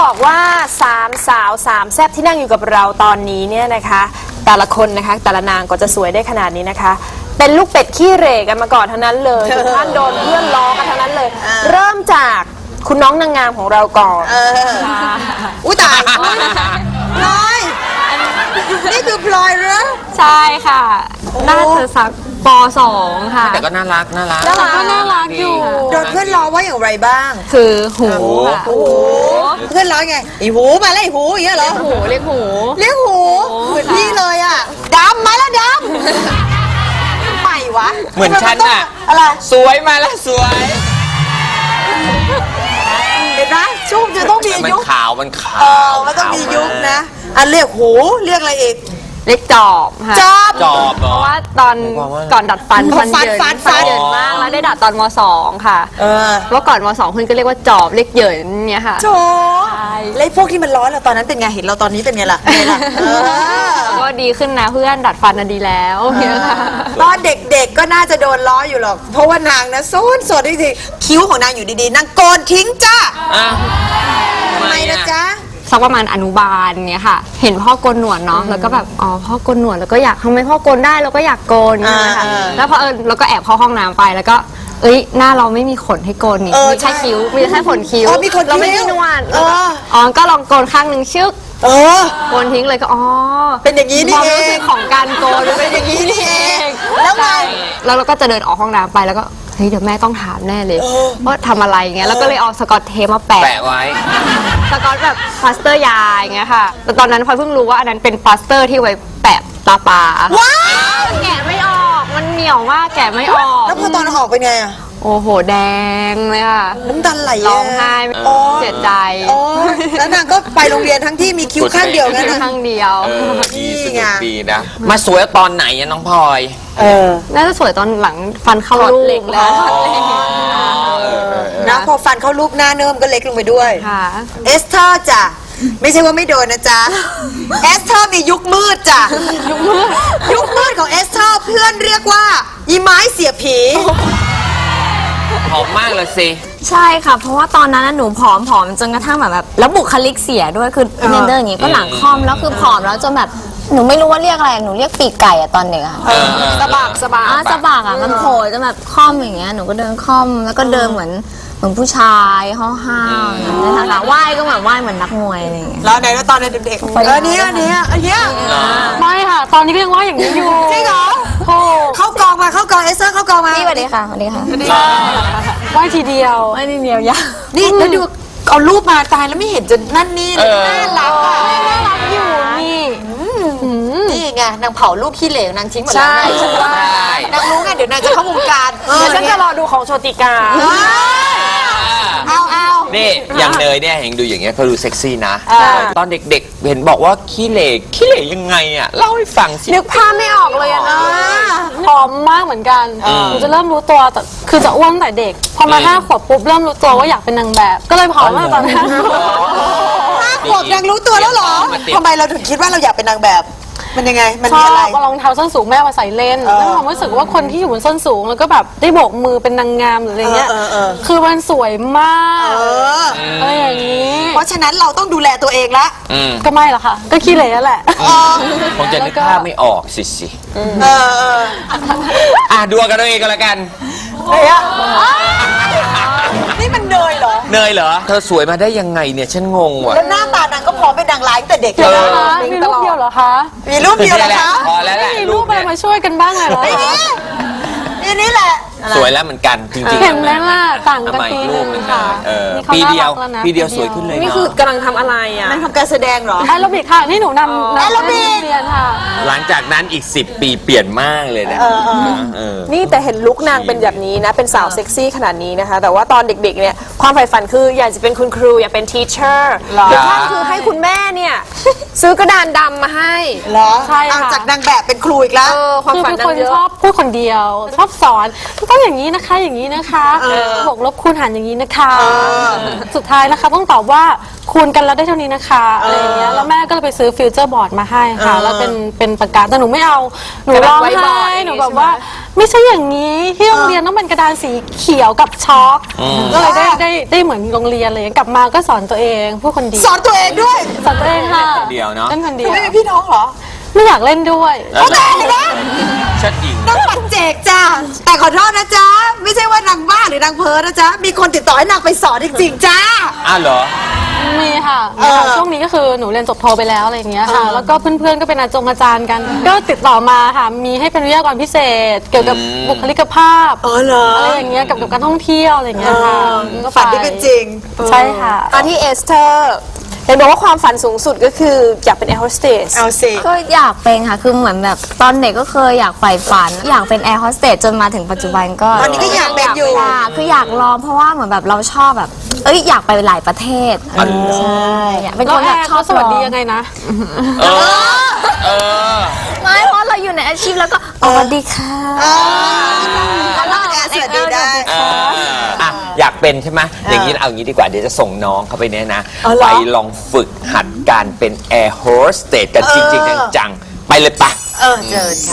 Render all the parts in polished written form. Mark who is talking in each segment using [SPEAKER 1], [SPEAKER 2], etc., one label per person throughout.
[SPEAKER 1] บอกว่า3 สาว 3 แซ่บที่นั่งอยู่กับเราตอนนี้เนี่ยนะคะแต่ละคนนะคะแต่ละนางก็จะสวยได้ขนาดนี้นะคะเป็นลูกเป็ดขี้เหร่กันมาก่อนทั้งนั้นเลยทุกท่านโดนเพื่อนล้อกันทั้งนั้นเลยเริ่มจากคุณน้องนางงามของเราก่อน
[SPEAKER 2] อุ้ยตายพลอยนี่คือพลอยเหรอ
[SPEAKER 3] ใช่ค่ะน่าจะสักป .2 ค่ะ
[SPEAKER 4] แต่ก็น่ารักน่ารัก
[SPEAKER 3] ก็น่ารักอยู่
[SPEAKER 2] โดนเพื่อนล้อว่าอย่างไรบ้าง
[SPEAKER 3] คือหูค่ะ
[SPEAKER 2] หูเพื่อนล้อไงไอหูมาแล้วไอหูอย่างเงี้ยเหรอ
[SPEAKER 3] หูเรียกหู
[SPEAKER 2] เหมือนพี่เลยอ่ะดำมาแล้วดำใหม่วะ
[SPEAKER 4] เหมือนฉันอะ
[SPEAKER 2] อะไร
[SPEAKER 4] สวยมาแล้วสวย
[SPEAKER 2] เห็นไหมชุบจะต้องมียุค
[SPEAKER 4] มันขาว
[SPEAKER 2] มันต้องมียุคนะอันเรียกหูเรียกอะไรอีก
[SPEAKER 3] เรียกจอบค่ะ
[SPEAKER 2] จอบ
[SPEAKER 3] เพราะว่าตอนก่อนดัดฟันเยินมากแล้วได้ดัดตอนม.2 ค่ะเมื่อก่อนม.2 คุณก็เรียกว่าจอบเรียกเหยินเนี่ยค่ะ
[SPEAKER 2] โจแล้วพวกที่มันร้อนเราตอนนั้นเป็นไงเห็นเราตอนนี้เป็นไงล่ะ
[SPEAKER 3] ก็ดีขึ้นนะเพื่อนดัดฟันน่ะดีแล้วเนี่ยค่ะ
[SPEAKER 2] ตอนเด็กๆก็น่าจะโดนล้ออยู่หรอกเพราะว่านางนะโซนจริงๆคิ้วของนางอยู่ดีๆนางโกนทิ้งจ้าทำไมนะจ๊ะ
[SPEAKER 3] สักประมาณอนุบาลเนี่ยค่ะเห็นพ่อโกนหนวดเนาะแล้วก็แบบอ๋อพ่อโกนหนวดแล้วก็อยากทำไมพ่อโกนได้เราก็อยากโกนนะคะแล้วพอเราก็แอบเข้าห้องน้ำไปแล้วก็หน้าเราไม่มีขนให้โกนนี่มีแค่คิ้วมีแค่ขนคิ้วเราไม่มีหนวดก็ลองโกนข้างหนึ่งชึกโกนทิ้งเลยก็
[SPEAKER 2] เป็นอย่างนี้นี่เอง
[SPEAKER 3] ความรู้สึกของการโกน
[SPEAKER 2] เป็นอย่างนี้นี่เองแล้วไง
[SPEAKER 3] แล้วเราก็จะเดินออกห้องน้ำไปแล้วก็เฮ้ยเดี๋ยวแม่ต้องถามแน่เลยว่าทำอะไรเงี้ยแล้วก็เลยเอาสกอตเทปมาแปะ
[SPEAKER 4] ไว้
[SPEAKER 3] สกอตแบบพลาสเตอร์ยาอย่างเงี้ยค่ะแต่ตอนนั้นพลอยเพิ่งรู้ว่าอันนั้นเป็นพลาสเตอร์ที่ไว้แปะตาปลา
[SPEAKER 2] ว้าว
[SPEAKER 3] แกะไม่ออกมันเหนียวมากแกะไม่ออก
[SPEAKER 2] แล้วพอตอนออกเป็นไงอะ
[SPEAKER 3] โอ้โหแดงเลยค่ะ
[SPEAKER 2] น้ำตาไหล
[SPEAKER 3] ร้องไห้เสียใจ
[SPEAKER 2] แล้วนางก็ไปโรงเรียนทั้งที่มีคิ้วข้างเดียวกันนะ
[SPEAKER 3] ข้างเดียว
[SPEAKER 4] นี่ไงดีนะมาสวยตอนไหนอะน้องพลอย
[SPEAKER 3] น่าจะสวยตอนหลังฟันเข้าลูกแล้ว
[SPEAKER 2] นะพอฟันเข้าลูกหน้าเนิ่มก็เล็กลงไปด้วยเอสเธอร์จ้ะไม่ใช่ว่าไม่โดนนะจ๊ะเอสเธอร์มียุคมืดจ้ะยุคมืดของเอสเธอร์เพื่อนเรียกว่าอีไม้เสียผี
[SPEAKER 4] หอมมากเลยสิ
[SPEAKER 5] ใช่ค่ะเพราะว่าตอนนั้นหนูผอมจนกระทั่งแบบแล้วบุคลิกเสียด้วยคือเนเดอร์อย่างงี้ก็หลังค่อมแล้วคือผอมแล้วจนแบบหนูไม่รู้ว่าเรียกอะไรหนูเรียกปีกไก่อะตอนเด็กอะ
[SPEAKER 1] สะบัก
[SPEAKER 5] อะมันโผล่จนแบบค่อมอย่างเงี้ยหนูก็เดินค่อมแล้วก็เดินเหมือนผู้ชายห้าวๆนะคะว่ายก็แบบว่ายเหมือนนักมวยอะไรอย่างเงี้ย
[SPEAKER 2] แล้วไหนแล้วตอนเด็กๆอันนี้
[SPEAKER 3] ไม่ค่ะตอนนี้ก็ยังว่ายอย่างนี้อยู่
[SPEAKER 2] จริงเหรอเข้ากองมาเข้ากองเอสเธอร์เข้ากองมา
[SPEAKER 5] นี่สวัสดีค่ะ
[SPEAKER 3] ว่ายทีเดียว
[SPEAKER 5] ยา
[SPEAKER 2] นี่แล้วดูเอารูปมาตายแล้วไม่เห็นจะนั่นนี่น่ารัก
[SPEAKER 3] อยู่นี่
[SPEAKER 2] นี่ไงนางเผารูปขี้เหลวนางทิ้งหมดแล้วนางรู้ไงเดี๋ยวนางจะเข้าวงการ
[SPEAKER 1] ฉันจะรอดูของโชติกา
[SPEAKER 2] เอา
[SPEAKER 4] นี่อย่างเนยเนี่ยเห็นดูอย่างเงี้ยเขาดูเซ็กซี่นะตอนเด็กๆเห็นบอกว่าขี้เหร่ยังไงอ่ะเล่าให้ฟังสิ
[SPEAKER 1] นึกภาพไม่ออกเลยนะ
[SPEAKER 3] ผอมมากเหมือนกันหนูจะเริ่มรู้ตัวแต่คือจะอ้วนแต่เด็กพอมา5 ขวบปุ๊บเริ่มรู้ตัวว่าอยากเป็นนางแบบก็เลยผอมมากตอนนั้น
[SPEAKER 2] 5 ขวบยังรู้ตัวแล้วเหรอทำไมเราถึงคิดว่าเราอยากเป็นนางแบบมันยังไงมันมีอะไร
[SPEAKER 3] รองเท้าส้นสูงแม่มาใส่เล่นแล้วความรู้สึกว่าคนที่อยู่บนส้นสูงแล้วก็แบบได้โบกมือเป็นนางงามหรืออะไรเงี้ยคือมันสวยมากอะไรอย่างนี้
[SPEAKER 2] เพราะฉะนั้นเราต้องดูแลตัวเองละ
[SPEAKER 3] ก็ไม่หรอกค่ะก็ขี้เหร่แหละ
[SPEAKER 4] คงจะนึกภาพไม่ออกสิดูกันเองก็แล้วกัน
[SPEAKER 2] นี่มันเนยเหรอ
[SPEAKER 4] เธอสวยมาได้ยังไงเนี่ยฉันงงว่ะ
[SPEAKER 2] แล้วหน้าตานางก็พร้อมเป็นนางร้ายตั้งแต่เด็กเลย
[SPEAKER 3] มีรูปเดียวเหรอคะ
[SPEAKER 2] มีรูปเดียวเหรอคะ
[SPEAKER 4] พอแล้วแหละ
[SPEAKER 3] มีรูปอะไรมาช่วยกันบ้างเลยเหรอ
[SPEAKER 2] นี่แหละ
[SPEAKER 4] สวยแล้วเหมือนกันจริงๆ
[SPEAKER 3] เห็นไหมล่ะต่างกันปีนึงค่ะ
[SPEAKER 4] ปีเดียวสวยขึ้นเลย
[SPEAKER 1] นี่คือกำลังทำอะไรอ่ะ
[SPEAKER 2] มันทำการแสดงเหรอ
[SPEAKER 3] แอโรบิกค่ะนี่หนูนำ
[SPEAKER 2] แอโรบิก
[SPEAKER 3] เรียนค่ะ
[SPEAKER 4] หลังจากนั้นอีก10 ปีเปลี่ยนมากเลยนะ
[SPEAKER 1] นี่แต่เห็นลุคนางเป็นแบบนี้นะเป็นสาวเซ็กซี่ขนาดนี้นะคะแต่ว่าตอนเด็กๆเนี่ยความใฝ่ฝันคืออยากจะเป็นคุณครูอยากเป็นทีเชอร์หรือว่าคือให้คุณแม่เนี่ยซื้อกระดานดำมาให้
[SPEAKER 2] เหรอใช่ค่ะจากนางแบบเป็นครูอีกแล้ว
[SPEAKER 3] ความฝันนางเยอะชอบพูดคนเดียวชอบสอนต้อง
[SPEAKER 6] ต้องอย่างนี้นะคะอย่างนี้นะคะบวกลบคูณหารอย่างนี้นะคะสุดท้ายนะคะต้องตอบว่าคูณกันแล้วได้เท่านี้นะคะอะไรอย่างเงี้ยแล้วแม่ก็เลยไปซื้อฟิวเจอร์บอร์ดมาให้ค่ะแล้วเป็นปากกาแต่หนูไม่เอาหนูร้องไห้หนูแบบว่าไม่ใช่อย่างนี้ที่โรงเรียนต้องเป็นกระดานสีเขียวกับช็อกก็เลยได้เหมือนโรงเรียนเลยกลับมาก็สอนตัวเองพูดคนเดียว
[SPEAKER 2] สอนตัวเองด้วย
[SPEAKER 6] สอนตัวเองค่ะ
[SPEAKER 4] เดียวเนาะ
[SPEAKER 6] เล่นคนเดียว
[SPEAKER 2] ไม่มีพี่น้องเหรอ
[SPEAKER 6] ไม่อยากเล่นด้วย
[SPEAKER 2] โอเคนะ
[SPEAKER 4] ชัดหญิง
[SPEAKER 2] น้องปัจเจกจ้าแต่ขอโทษนะจ๊ะไม่ใช่ว่านางบ้าหรือนางเพ้อนะจ๊ะมีคนติดต่อให้นางไปสอนจริงๆจ้า
[SPEAKER 4] อ้าวเหรอ
[SPEAKER 6] มีค่ะช่วงนี้ก็คือหนูเรียนจบโทไปแล้วอะไรอย่างเงี้ยค่ะแล้วก็เพื่อนๆก็เป็นอาจารย์กัน ก็ติดต่อมาค่ะมีให้เป็นวิทยากรพิเศษ เกี่ยวกับบุคลิกภาพ
[SPEAKER 2] อ๋อเหรอ
[SPEAKER 6] อะไรอย่างเงี้ยกับการท่องเที่ยวอะไรอย่างเงี้ยค่ะก็ไป
[SPEAKER 2] ฝันที่เป็นจริง
[SPEAKER 6] ใช่ค่ะ
[SPEAKER 1] มาที่เอสเธอร์เห็นบอกว่าความฝันสูงสุดก็คืออยากเป็นแอร์โฮสเตส
[SPEAKER 2] เอาสิ
[SPEAKER 5] ก็อยากเป็นค่ะ คือเหมือนแบบตอนเด็กก็เคยอยากใฝ่ฝัน อยากเป็นแอร์โฮสเตสจนมาถึงปัจจุบันก็
[SPEAKER 2] ตอนนี้ก็อยากเป็นอยู่
[SPEAKER 5] ค่ะคืออยากลองเพราะว่าเหมือนแบบเราชอบแบบอยากไปหลายประเทศใช่อยากเป็น
[SPEAKER 6] แล้
[SPEAKER 5] ค
[SPEAKER 6] วน แอ
[SPEAKER 5] แบบ
[SPEAKER 6] ร์
[SPEAKER 5] ชอบ
[SPEAKER 6] เขาสวัสดียังไงนะ
[SPEAKER 5] ไม่เพราะเราอยู่ในอาชีพแล้วก็สวัสดีค่ะ
[SPEAKER 2] แล้วแอร์สวัสดีได้
[SPEAKER 4] อ่ะอยากเป็นใช่ไหมอย่างนี้เอาอย่างนี้ดีกว่าเดี๋ยวจะส่งน้องเข้าไปเนี่ยนะ
[SPEAKER 2] อ๋อเหรอ
[SPEAKER 4] ไปลองฝึกหัดการเป็นแอร์โฮสเตสกันจริงๆจังๆไปเลยปะ
[SPEAKER 2] เจิญค่ะ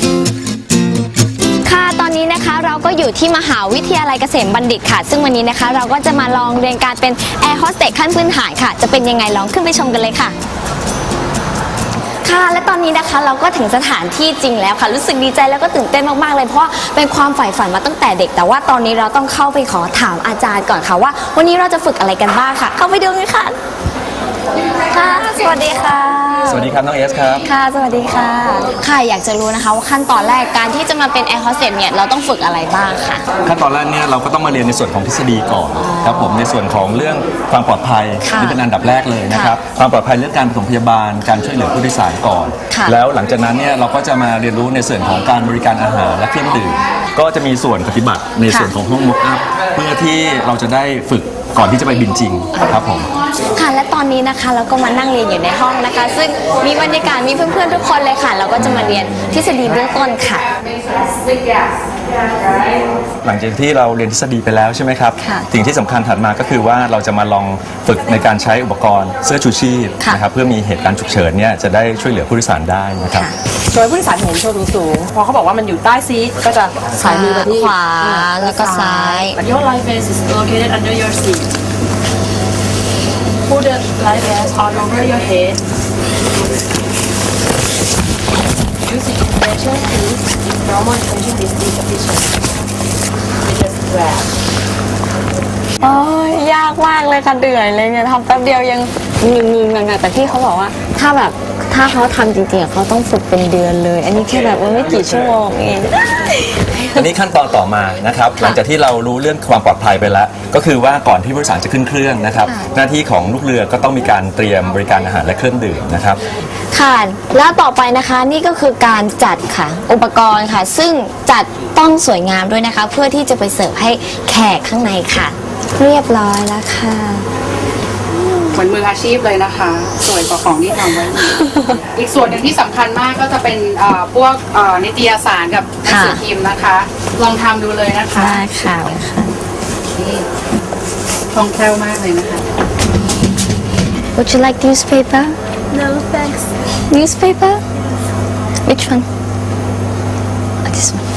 [SPEAKER 5] ค่ะตอนนี้นะคะเราก็อยู่ที่มหาวิทยาลัยเกษมบัณฑิตค่ะ ซึ่งวันนี้นะคะเราก็จะมาลองเรียนการเป็นแอร์โฮสเตสขั้นพื้นฐานค่ะจะเป็นยังไงลองขึ้นไปชมกันเลยค่ะค่ะและตอนนี้นะคะเราก็ถึงสถานที่จริงแล้วค่ะรู้สึกดีใจแล้วก็ตื่นเต้นมากๆเลยเพราะว่าเป็นความใฝ่ฝันมาตั้งแต่เด็กแต่ว่าตอนนี้เราต้องเข้าไปขอถามอาจารย์ก่อนค่ะว่าวันนี้เราจะฝึกอะไรกันบ้างค่ะ เข้าไปดูกันค่ะค่ะสวัสดีค่ะ
[SPEAKER 7] สวัสดีครับน้องเอสครับ
[SPEAKER 5] ค่ะสวัสดีค่ะค่ะอยากจะรู้นะคะว่าขั้นตอนแรกการที่จะมาเป็นแอร์โฮสเตสเนี่ยเราต้องฝึกอะไรบ้างค่ะ
[SPEAKER 7] ขั้นตอนแรกเนี่ยเราก็ต้องมาเรียนในส่วนของทฤษฎีก่อนครับผมในส่วนของเรื่องความปลอดภัย
[SPEAKER 5] ค่ะ
[SPEAKER 7] นี่เป็นอันดับแรกเลยนะครับความปลอดภัยเรื่องการปฐมพยาบาลการช่วยเหลือผู้โดยสารก่อน
[SPEAKER 5] ค่ะ
[SPEAKER 7] แล้วหลังจากนั้นเนี่ยเราก็จะมาเรียนรู้ในส่วนของการบริการอาหารและเครื่องดื่มก็จะมีส่วนปฏิบัติในส่วนของห้องมอคอัพเพื่อที่เราจะได้ฝึกก่อนที่จะไปบินจริงครับผม
[SPEAKER 5] ค่ะและตอนนี้นะคะเราก็มานั่งเรียนอยู่ในห้องนะคะ ซึ่งมีบรรยากาศมีเพื่อนๆทุกคนเลยค่ะ เราก็จะมาเรียนทฤษฎีเบื้องต้นค่ะ
[SPEAKER 7] หลังจากที่เราเรียนทฤษฎีไปแล้วใช่ไหมครับ
[SPEAKER 5] ค่ะ
[SPEAKER 7] สิ่งที่สำคัญถัดมาก็คือว่าเราจะมาลองฝึกในการใช้อุปกรณ์เสื้อชูชีพ
[SPEAKER 5] ค่ะ
[SPEAKER 7] นะครับเพื่อมีเหตุการณ์ฉุกเฉินเนี่ยจะได้ช่วยเหลือผู้โดยสารได้นะครับ
[SPEAKER 8] โดยผู้โดยสารเห็นโชว์สูงๆพอเขาบอกว่ามันอยู่ใต้ซีทก็จะสายมือไปที่
[SPEAKER 5] ขวาแล้วก็ซ้าย
[SPEAKER 8] Your life vest is located under your seat. Put the life vest on over your head. Using intention is normal intention is insufficient. You just grab.
[SPEAKER 3] โอ้ยยากมากเลยค่ะเหนื่อยเลยเนี่ยทำแป๊บเดียวยังงงๆหนักๆแต่พี่เขาบอกว่าถ้าเขาทำจริงๆอะเขาต้องฝึกเป็นเดือนเลย อันนี้แค่แบบว่าไม่กี่ชั่วโมงเอง
[SPEAKER 7] อันนี้ขั้นตอนต่อมานะครับหลังจากที่เรารู้เรื่องความปลอดภัยไปแล้ว ก็คือว่าก่อนที่ผู้โดยสารจะขึ้นเครื่องนะครับหน้าที่ของลูกเรือก็ต้องมีการเตรียมบริการอาหารและเครื่องดื่มนะครับ
[SPEAKER 5] ค่ะแล้วต่อไปนะคะนี่ก็คือการจัดค่ะ อุปกรณ์ค่ะ ซึ่งจัดต้องสวยงามด้วยนะคะ เพื่อที่จะไปเสิร์ฟให้แขกข้างในค่ะ เรียบร้อยแล้วค่ะ
[SPEAKER 8] เหมือนมืออาชีพเลยนะคะ สวยกว่าของที่ทำไว้อีก อีกส่วนหนึ่งที่สำคัญมากก็จะเป็นพวกนิตยสารกับหนังสือพิมพ์นะคะ ลองทำดูเลยนะคะ
[SPEAKER 5] ได้ค่ะ
[SPEAKER 8] นี่คล่องแคล่วมากเลยนะคะ
[SPEAKER 5] Would you like newspaper?
[SPEAKER 3] No thanks
[SPEAKER 5] Newspaper? Which one? This one.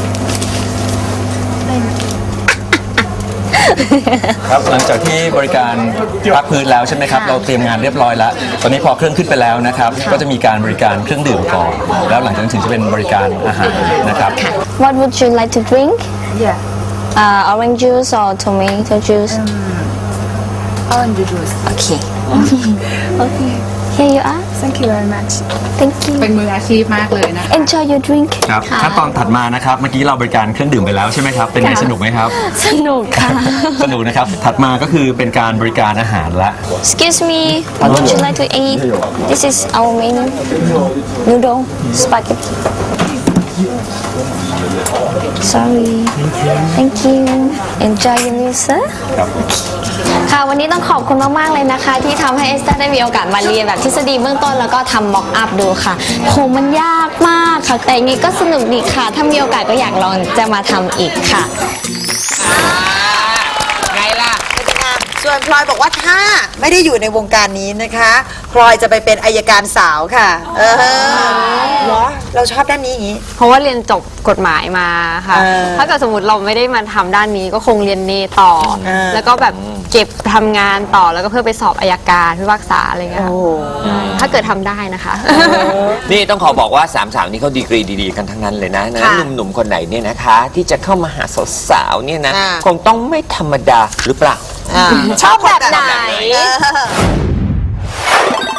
[SPEAKER 7] ครับหลังจากที่บริการพักพื้นแล้วใช่ไหมครับเราเตรียมงานเรียบร้อยแล้ว ตอนนี้พอเครื่องขึ้นไปแล้วนะครับก็จะมีการบริการเครื่องดื่มก่อน แล้วหลังจากนั้นถึงจะเป็นบริการอาหารนะครับ
[SPEAKER 5] What would you like to drink? Yeah. Orange juice or tomato juice?
[SPEAKER 8] Orange juice
[SPEAKER 5] Okay. Okay. Here you are.
[SPEAKER 3] Thank you very much
[SPEAKER 5] Thank you.
[SPEAKER 8] เป็นมืออาชีพมากเลยนะคะ
[SPEAKER 5] Enjoy your drink.
[SPEAKER 7] ครับขั้นตอนถัดมานะครับเมื่อกี้เราบริการเครื่องดื่มไปแล้วใช่ไหมครับเป็นไงสนุกไหมครับ
[SPEAKER 5] สนุกค่ะ
[SPEAKER 7] สนุกนะครับถัดมาก็คือเป็นการบริการอาหารละ
[SPEAKER 5] Excuse me, what would you like to eat? This is our menu. Noodle, spaghetti. sorry thank you enjoy your music ค่ะวันนี้ต้องขอบคุณมากๆเลยนะคะที่ทำให้เอสเตอร์ได้มีโอกาสมาเรียนแบบทฤษฎีเบื้องต้นแล้วก็ทำม็อกอัพดูค่ะโหมันยากมากค่ะแต่อย่างนี้ก็สนุกดีค่ะถ้ามีโอกาสก็อยากลองจะมาทำอีกค่ะ
[SPEAKER 4] ไงล่ะ
[SPEAKER 2] ส่วนพลอยบอกว่าถ้าไม่ได้อยู่ในวงการนี้นะคะพลอยจะไปเป็นอัยการสาวค่ะเหรอเราชอบด้านนี้อย่างนี้
[SPEAKER 3] เพราะว่าเรียนจบกฎหมายมาค่ะ ถ้าเกิดสมมติเราไม่ได้มาทำด้านนี้ก็คงเรียนเนต่อ แล้วก็แบบเก็บทำงานต่อแล้วก็เพื่อไปสอบอัยการพิพากษาอะไรเงี้ยค่ะถ้าเกิดทำได้นะคะ
[SPEAKER 4] นี่ต้องขอบอกว่าสามสาวนี้เขาดีกรีดีๆกันทั้งนั้นเลยนะหนุ่มๆคนไหนเนี่ยนะคะ ที่จะเข้ามาหาสาวๆเนี่ยนะคงต้องไม่ธรรมดาหรือเปล่า
[SPEAKER 1] ชอบแบบไหน